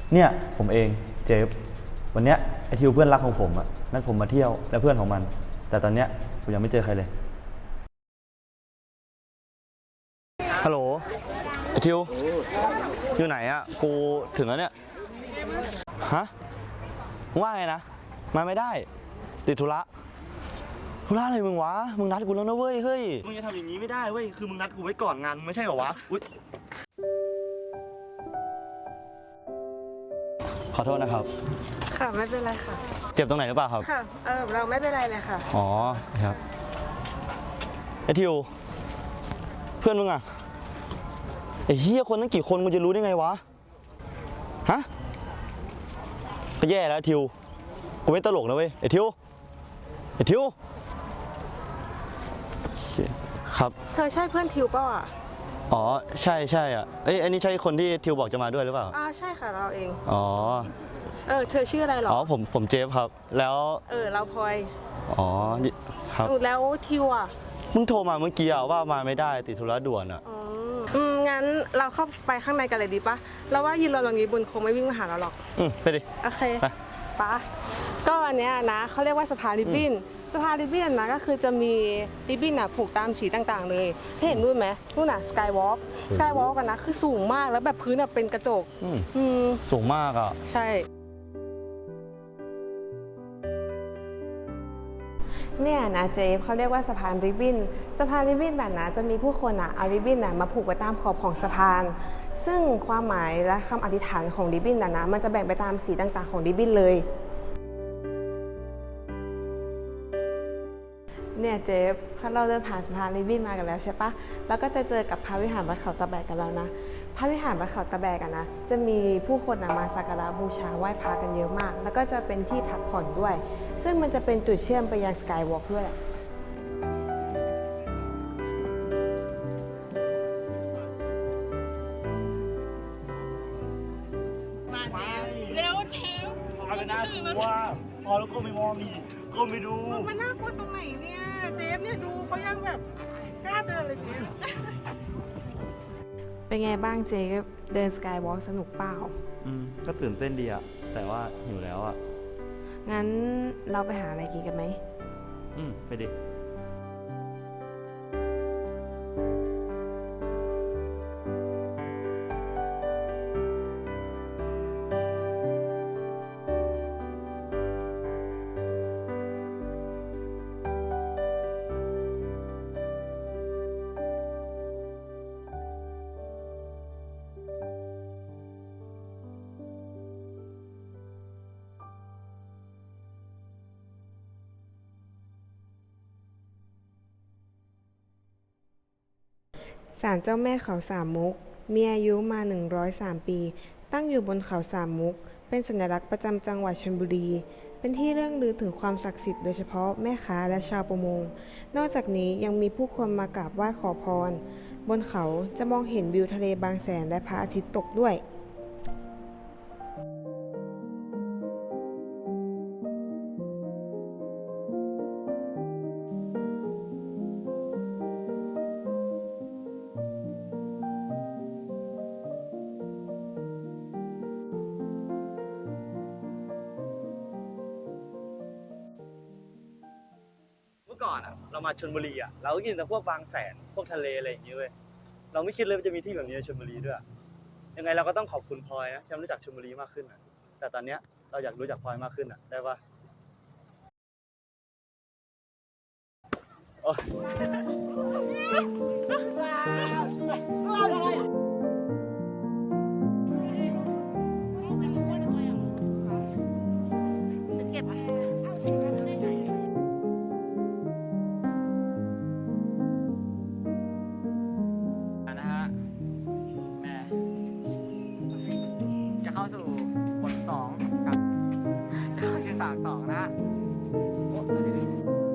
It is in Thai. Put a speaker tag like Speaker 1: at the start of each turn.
Speaker 1: เนี่ยผมเองเจฟวันเนี้ยไอทิวเพื่อนรักของผมอะนัดผมมาเที่ยวและเพื่อนของมันแต่ตอนเนี้ยผมยังไม่เจอใครเลยฮัลโหลไอทิวอยู่ไหนอะกูถึงแล้วเนี่ยฮะว่าไงนะมาไม่ได้ติดธุระอะไรมึงวะมึงนัดกูแล้วนะเว้ยเฮ้ยมึงจะทำอย่างนี้ไม่ได้เว้ยคือมึงนัดกูไว้ก่อนงานไม่ใช่เหรอวะอุ๊ยขอโทษนะครับ
Speaker 2: ค่ะไม่เป็นไรค่ะ
Speaker 1: เจ็บตรงไหนหรือเปล่าครับ
Speaker 2: ค่ะเราไม่เป็นไรเลยค่ะ
Speaker 1: อ๋อครับไอทิวเพื่อนมึงอะไอเฮียคนตั้งกี่คนมึงจะรู้ได้ไงวะฮะก็แย่แล้วทิวกูไม่ตลกนะเว้ยไอทิวครับ
Speaker 2: เธอใช่เพื่อนทิวเปล่าอ่ะ
Speaker 1: อ๋อใช่อ่ะเอ้ยอันนี้ใช่คนที่ทิวบอกจะมาด้วยหรือเปล่า
Speaker 2: ใช่ค่ะเราเอง
Speaker 1: อ๋อ
Speaker 2: เธอชื่ออะไรหรอ
Speaker 1: อ๋อผมเจฟครับแล้ว
Speaker 2: เราพลอย
Speaker 1: อ๋อครับ
Speaker 2: แล้วทิวอ่ะ
Speaker 1: มึงโทรมาเมื่อกี้ว่ามาไม่ได้ติดธุระด่วนอ่ะ
Speaker 2: งั้นเราเข้าไปข้างในกันเลยดีปะเราว่ายืนรอตรงนี้บุญคงไม่วิ่งมาหาเราหรอก
Speaker 1: ไปดิ
Speaker 2: โอเคปะก็อันเนี้ยนะเขาเรียกว่าสะพานริบบิ้นนะก็คือจะมีริบบิ้นอ่ะผูกตามสีต่างๆเลยเห็นนู่นไหมนู่นน่ะสกายวอล์กกันนะคือสูงมากแล้วแบบพื้นเป็นกระจก
Speaker 1: สูงมากอ่ะ
Speaker 2: ใช่เนี่ยนะเจฟเขาเรียกว่าสะพานริบบิ้นแบบนะจะมีผู้คนเอาริบบิ้นมาผูกไว้ตามขอบของสะพานซึ่งความหมายและคำอธิษฐานของริบบิ้นนะมันจะแบ่งไปตามสีต่างๆของริบบิ้นเลยเนี่ยเจฟเราเดินผ่านสะพานริบบิ้นมากันแล้วใช่ปะแล้วก็จะเจอกับพระวิหารวัดเขาตะแบกกันแล้วนะพระวิหารวัดเขาตะแบกนะจะมีผู้คนมาสักการะบูชาไหว้พระกันเยอะมากแล้วก็จะเป็นที่พักผ่อนด้วยซึ่งมันจะเป็นจุดเชื่อมไปยังสกายวอล์กด้วยมาเจฟเร็วเจฟ
Speaker 1: มาเลยนะว่าพอแล้วก็ไม่มองนี่ก็ไม่ดู
Speaker 2: มันน่ากลัวตรงไหนเนี่ยเจฟเนี่ยดูเขายังแบบกล้าเดินเลยเจฟเป็นไงบ้างเจฟเดินสกายวอล์กสนุกเปล่า
Speaker 1: ก็ตื่นเต้นดีอะแต่ว่าหิวแล้วอะ
Speaker 2: งั้นเราไปหาอะไรกินกันไหม
Speaker 1: ไปดิ
Speaker 2: ศาลเจ้าแม่เขาสามมุกมีอายุมา103 ปีตั้งอยู่บนเขาสามมุกเป็นสัญลักษณ์ประจำจังหวัดชลบุรีเป็นที่เรื่องลือถึงความศักดิ์สิทธิ์โดยเฉพาะแม่ค้าและชาวประมงนอกจากนี้ยังมีผู้คนมากราบไหว้ขอพรบนเขาจะมองเห็นวิวทะเลบางแสนและพระอาทิตย์ตกด้วย
Speaker 1: ก่อนเรามาชลบุรีเราก็กินแต่พวกบางแสนพวกทะเลอะไรอย่างเงี้ยเว้ยเราไม่คิดเลยว่าจะมีที่แบบนี้ในชลบุรีด้วยยังไงเราก็ต้องขอบคุณพลอยนะที่รู้จักชลบุรีมากขึ้นแต่ตอนเนี้ยเราอยากรู้จักพลอยมากขึ้นได้ปะ
Speaker 3: เข้าสู่บท2กับจะเข้าสู่3-2นะโอ้